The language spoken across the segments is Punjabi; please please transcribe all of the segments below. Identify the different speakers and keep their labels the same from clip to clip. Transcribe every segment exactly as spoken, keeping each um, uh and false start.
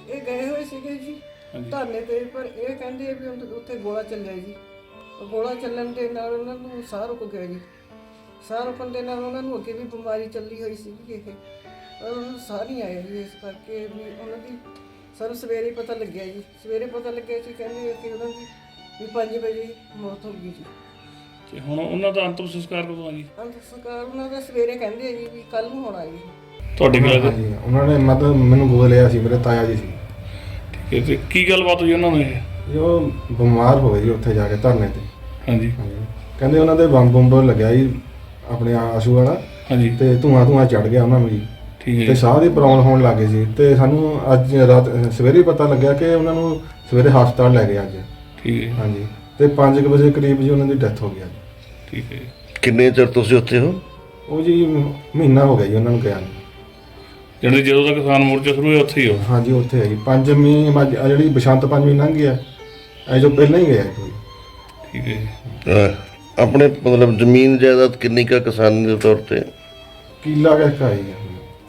Speaker 1: ਇਹ ਗਏ ਹੋਏ ਸੀਗੇ ਜੀ ਧਰਨੇ ਤੇ, ਪਰ ਇਹ ਕਹਿੰਦੇ ਵੀ ਉੱਥੇ ਗੋਲਾ ਚੱਲਿਆ ਜੀ। ਗੋਲਾ ਚੱਲਣ ਦੇ ਨਾਲ ਉਹਨਾਂ ਨੂੰ ਸਾਹ ਰੁਕ ਗਿਆ ਜੀ। ਸਾਹ ਰੁਕਣ ਦੇ ਨਾਲ ਉਹਨਾਂ ਨੂੰ ਅੱਗੇ ਵੀ ਬਿਮਾਰੀ ਚੱਲੀ ਹੋਈ ਸੀਗੀ ਇਹ, ਪਰ ਉਹਨਾਂ ਨੂੰ ਸਾਹ ਨਹੀਂ ਆਇਆ ਜੀ। ਇਸ ਕਰਕੇ ਵੀ ਉਹਨਾਂ ਦੀ ਸਾਨੂੰ ਸਵੇਰੇ ਪਤਾ ਲੱਗਿਆ ਜੀ। ਸਵੇਰੇ ਪਤਾ ਲੱਗਿਆ ਜੀ, ਕਹਿੰਦੇ ਕਿ ਉਹਨਾਂ ਦੀ ਵੀ ਪੰਜ ਵਜੇ ਮੌਤ ਹੋ ਗਈ ਜੀ।
Speaker 2: ਤੇ ਹੁਣ ਉਹਨਾਂ ਦਾ ਅੰਤਿਮ ਸੰਸਕਾਰ ਕਦੋਂ ਆ ਜੀ?
Speaker 1: ਅੰਤਿਮ ਸੰਸਕਾਰ ਉਹਨਾਂ ਦਾ ਸਵੇਰੇ ਕਹਿੰਦੇ ਜੀ ਵੀ ਕੱਲ ਨੂੰ ਹੋਣਾ ਜੀ।
Speaker 2: ਤੁਹਾਡੇ ਕੋਲ
Speaker 3: ਹਾਂਜੀ, ਉਹਨਾਂ ਨੇ ਮਤਲਬ ਮੈਨੂੰ ਗੋਦ ਲਿਆ ਸੀ, ਮੇਰੇ ਤਾਇਆ ਜੀ ਸੀ।
Speaker 2: ਠੀਕ ਹੈ, ਤੇ ਕੀ ਗੱਲਬਾਤ ਹੋਈ ਉਹਨਾਂ ਨੂੰ ਇਹ?
Speaker 3: ਜੋ ਬਿਮਾਰ ਹੋ ਗਏ ਜੀ ਉੱਥੇ ਜਾ ਕੇ ਧਰਨੇ ਤੇ।
Speaker 2: ਹਾਂਜੀ
Speaker 3: ਹਾਂਜੀ, ਕਹਿੰਦੇ ਉਹਨਾਂ ਦੇ ਬੰਬ ਬੰਬ ਲੱਗਿਆ ਜੀ ਆਪਣੇ ਆਸ਼ੂ ਵਾਲਾ,
Speaker 2: ਹਾਂਜੀ
Speaker 3: ਤੇ ਧੂਆਂ ਧੂਆਂ ਚੜ ਗਿਆ ਉਹਨਾਂ ਨੂੰ ਜੀ।
Speaker 2: ਠੀਕ ਹੈ
Speaker 3: ਤੇ
Speaker 2: ਜੀ।
Speaker 3: ਸਾਹ ਦੀ ਪ੍ਰੋਬਲਮ ਹੋਣ ਲੱਗ ਗਈ ਸੀ, ਤੇ ਸਾਨੂੰ ਅੱਜ ਰਾਤ ਸਵੇਰੇ ਪਤਾ ਲੱਗਿਆ ਕਿ ਉਹਨਾਂ ਨੂੰ ਸਵੇਰੇ ਹਸਪਤਾਲ ਲੈ ਗਏ ਅੱਜ।
Speaker 2: ਠੀਕ ਹੈ
Speaker 3: ਹਾਂਜੀ, ਤੇ ਪੰਜ ਕੁ ਵਜੇ ਕਰੀਬ ਜੀ ਉਹਨਾਂ ਦੀ ਡੈਥ ਹੋ ਗਈ ਅੱਜ।
Speaker 2: ਠੀਕ ਹੈ।
Speaker 4: ਕਿੰਨੇ ਚਿਰ ਤੁਸੀਂ ਉੱਥੇ ਹੋ?
Speaker 3: ਉਹ ਜੀ ਮਹੀਨਾ ਹੋ ਗਿਆ ਜੀ ਉਹਨਾਂ ਨੂੰ ਗਿਆ ਨੂੰ।
Speaker 2: ਜਿਹੜੇ ਜਦੋਂ ਦਾ ਕਿਸਾਨ ਮੋਰਚਾ ਸ਼ੁਰੂ ਹੋਇਆ ਉੱਥੇ ਹੀ ਹੋ?
Speaker 3: ਹਾਂਜੀ, ਉੱਥੇ ਹੈ ਜੀ। ਪੰਜਵੀਂ ਮੱਝ ਆਹ ਜਿਹੜੀ ਬਸੰਤ ਪੰਜਵੀਂ ਲੰਘ ਗਿਆ, ਇਹ ਜੋ ਪਹਿਲਾਂ ਹੀ ਗਿਆ ਜੀ।
Speaker 2: ਠੀਕ ਹੈ ਜੀ।
Speaker 4: ਅਹ ਆਪਣੇ ਮਤਲਬ ਜ਼ਮੀਨ ਜਾਇਦਾਦ ਕਿੰਨੀ ਕੁ ਕਿਸਾਨ ਦੇ ਤੌਰ ਤੇ?
Speaker 3: ਕੀਲਾ ਕਹਿ ਆਈ ਹੈ।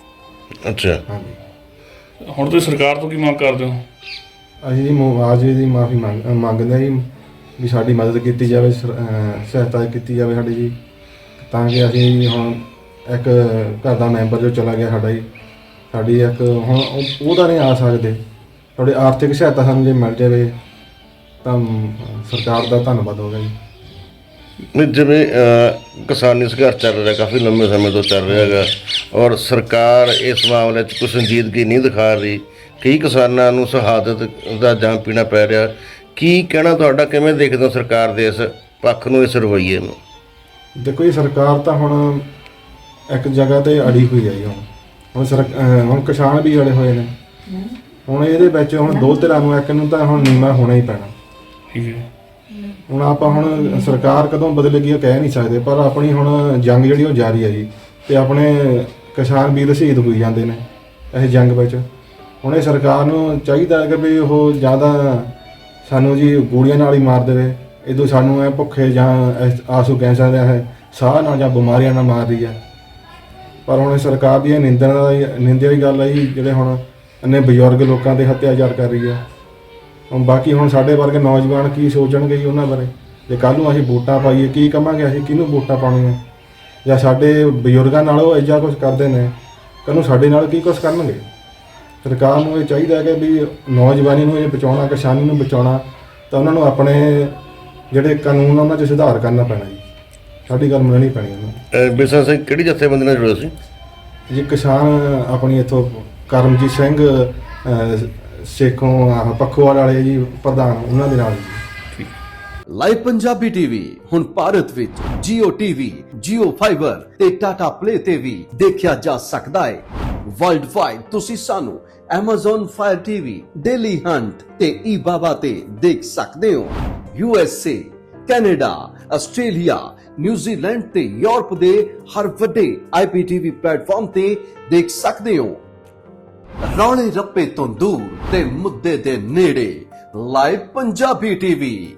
Speaker 4: ਅੱਛਾ,
Speaker 3: ਹਾਂਜੀ,
Speaker 2: ਹੁਣ ਤੁਸੀਂ ਸਰਕਾਰ ਤੋਂ ਕੀ ਮੰਗ ਕਰਦੇ ਹੋ?
Speaker 3: ਅਸੀਂ ਜੀ ਮੁਆਵਜ਼ੇ ਦੀ ਮਾਫੀ ਮੰਗ ਮੰਗਦੇ ਹਾਂ ਜੀ, ਵੀ ਸਾਡੀ ਮਦਦ ਕੀਤੀ ਜਾਵੇ, ਸਰ- ਅਹ ਸਹਾਇਤਾ ਕੀਤੀ ਜਾਵੇ ਸਾਡੀ ਜੀ, ਤਾਂ ਕਿ ਅਸੀਂ ਹੁਣ ਇੱਕ ਘਰ ਦਾ ਮੈਂਬਰ ਜੋ ਚਲਾ ਗਿਆ ਸਾਡਾ ਜੀ, ਸਾਡੀ ਇੱਕ ਹੁਣ ਉਹ- ਉਹਦਾ ਨਹੀਂ ਆ ਸਕਦੇ। ਥੋੜੀ ਆਰਥਿਕ ਸਹਾਇਤਾ ਸਾਨੂੰ ਜੇ ਮਿਲ ਜਾਵੇ ਤਾਂ ਸਰਕਾਰ ਦਾ ਧੰਨਵਾਦ ਹੋਗਾ ਜੀ।
Speaker 4: ਨਹੀਂ ਜਿਵੇਂ ਅਹ, ਕਿਸਾਨੀ ਸੰਘਰਸ਼ ਚੱਲ ਰਿਹਾ, ਕਾਫੀ ਲੰਬੇ ਸਮੇਂ ਤੋਂ ਚੱਲ ਰਿਹਾ ਹੈਗਾ, ਔਰ ਸਰਕਾਰ ਇਸ ਮਾਮਲੇ 'ਚ ਕੋਈ ਸੰਜੀਦਗੀ ਨਹੀਂ ਦਿਖਾ ਰਹੀ। ਕਈ ਕਿਸਾਨਾਂ ਨੂੰ ਸ਼ਹਾਦਤ ਦਾ ਜਾਮ ਪੀਣਾ ਪੈ ਰਿਹਾ। ਕੀ ਕਹਿਣਾ ਤੁਹਾਡਾ, ਕਿਵੇਂ ਦੇਖਦੇ ਹੋ ਸਰਕਾਰ ਦੇ ਇਸ ਪੱਖ ਨੂੰ, ਇਸ ਰਵੱਈਏ ਨੂੰ?
Speaker 3: ਦੇਖੋ ਜੀ, ਸਰਕਾਰ ਤਾਂ ਹੁਣ ਇੱਕ ਜਗ੍ਹਾ ਤੇ ਅੜੀ ਹੋਈ ਹੈ ਜੀ। ਹੁਣ ਹੁਣ ਸਰ ਅਹ ਹੁਣ ਕਿਸਾਨ ਵੀ ਅੜੇ ਹੋਏ ਨੇ। ਹੁਣ ਇਹਦੇ ਵਿੱਚ ਹੁਣ ਦੋ ਧਿਰਾਂ ਨੂੰ, ਇੱਕ ਨੂੰ ਤਾਂ ਹੁਣ ਨੀਵਾਂ ਹੋਣਾ ਹੀ ਪੈਣਾ।
Speaker 2: ਠੀਕ ਹੈ।
Speaker 3: ਹੁਣ ਆਪਾਂ ਹੁਣ ਸਰਕਾਰ ਕਦੋਂ ਬਦਲੇਗੀ ਉਹ ਕਹਿ ਨਹੀਂ ਸਕਦੇ, ਪਰ ਆਪਣੀ ਹੁਣ ਜੰਗ ਜਿਹੜੀ ਉਹ ਜਾਰੀ ਹੈ ਜੀ, ਤੇ ਆਪਣੇ ਕਿਸਾਨ ਵੀਰ ਸ਼ਹੀਦ ਹੋਈ ਜਾਂਦੇ ਨੇ ਇਹ ਜੰਗ ਵਿੱਚ। ਹੁਣ ਇਹ ਸਰਕਾਰ ਨੂੰ ਚਾਹੀਦਾ ਹੈ ਕਿ ਵੀ ਉਹ ਜ਼ਿਆਦਾ ਸਾਨੂੰ ਜੀ ਗੋਲੀਆਂ ਨਾਲ ਹੀ ਮਾਰ ਦੇਵੇ, ਇਦੋਂ ਸਾਨੂੰ ਇਹ ਭੁੱਖੇ ਜਾਂ ਇਸ ਆਸੂ ਕੈਂਸਰ ਦਾ ਹੈ ਸਾਹ ਨਾਲ ਜਾਂ ਬਿਮਾਰੀਆਂ ਨਾਲ ਮਾਰ ਰਹੀ ਹੈ। ਪਰ ਹੁਣ ਸਰਕਾਰ ਦੀ ਇਹ ਨਿੰਦਣ ਦਾ ਨਿੰਦਿਆ ਦੀ ਗੱਲ ਹੈ ਜੀ, ਜਿਹੜੇ ਹੁਣ ਇੰਨੇ ਬਜ਼ੁਰਗ ਲੋਕਾਂ ਦੇ ਹੱਤਿਆਚਾਰ ਕਰ ਰਹੀ ਹੈ। ਹੁਣ ਬਾਕੀ ਹੁਣ ਸਾਡੇ ਵਰਗੇ ਨੌਜਵਾਨ ਕੀ ਸੋਚਣਗੇ ਜੀ ਉਹਨਾਂ ਬਾਰੇ? ਜੇ ਕੱਲ੍ਹ ਨੂੰ ਅਸੀਂ ਵੋਟਾਂ ਪਾਈਏ, ਕੀ ਕਵਾਂਗੇ ਅਸੀਂ ਕਿਹਨੂੰ ਵੋਟਾਂ ਪਾਉਣੀਆਂ? ਜਾਂ ਸਾਡੇ ਬਜ਼ੁਰਗਾਂ ਨਾਲ ਉਹ ਇਹੋ ਕੁਝ ਕਰਦੇ ਨੇ, ਕੱਲ੍ਹ ਨੂੰ ਸਾਡੇ ਨਾਲ ਕੀ ਕੁਝ ਕਰਨਗੇ? ਸਰਕਾਰ ਨੂੰ ਇਹ ਚਾਹੀਦਾ ਕਿ ਵੀ ਨੌਜਵਾਨੀ ਨੂੰ ਇਹ ਬਚਾਉਣਾ, ਕਿਸਾਨੀ ਨੂੰ ਬਚਾਉਣਾ, ਤਾਂ ਉਹਨਾਂ ਨੂੰ ਆਪਣੇ ਜਿਹੜੇ ਕਾਨੂੰਨ ਉਹਨਾਂ 'ਚ ਸੁਧਾਰ ਕਰਨਾ ਪੈਣਾ ਜੀ। ਸਾਡੀ ਗੱਲ ਮੰਨਣੀ ਪੈਣੀ ਉਹਨੂੰ।
Speaker 4: ਅਹ ਬਿਸ਼ਨ ਸਿੰਘ ਕਿਹੜੀ ਜਥੇਬੰਦੀ ਨਾਲ ਜੁੜੇ ਸੀ?
Speaker 3: ਜੀ ਕਿਸਾਨ ਆਪਣੀ ਇੱਥੋਂ ਕਰਮਜੀਤ ਸਿੰਘ ਅਹ, ਸੇਖੋਂ ਆਹ ਪੱਖੋਵਾਲ ਵਾਲੇ ਜੀ ਪ੍ਰਧਾਨ, ਉਹਨਾਂ ਦੇ ਨਾਲ ਜੀ।
Speaker 5: ਲਾਈਵ ਪੰਜਾਬੀ ਟੀਵੀ ਹੁਣ ਭਾਰਤ ਵਿੱਚ Jio T V, Jio Fiber ਤੇ Tata Play ਤੇ ਵੀ ਦੇਖਿਆ ਜਾ ਸਕਦਾ ਹੈ। ਵਰਲਡ ਵਾਈਡ ਤੁਸੀਂ ਸਾਨੂੰ Amazon Fire T V, Daily Hunt ਤੇ eBaba ਤੇ ਦੇਖ ਸਕਦੇ ਹੋ। U S A, Canada, Australia, New Zealand ਤੇ ਯੂਰਪ ਦੇ ਹਰ ਵੱਡੇ ਆਈ ਪੀ ਟੀ ਵੀ ਪਲੇਟਫਾਰਮ ਤੇ ਦੇਖ ਸਕਦੇ ਹੋ। ਰੌਲੇ ਰੱਪੇ ਤੋਂ ਦੂਰ ਤੇ ਮੁੱਦੇ ਦੇ ਨੇੜੇ, ਲਾਈਵ ਪੰਜਾਬੀ ਟੀਵੀ।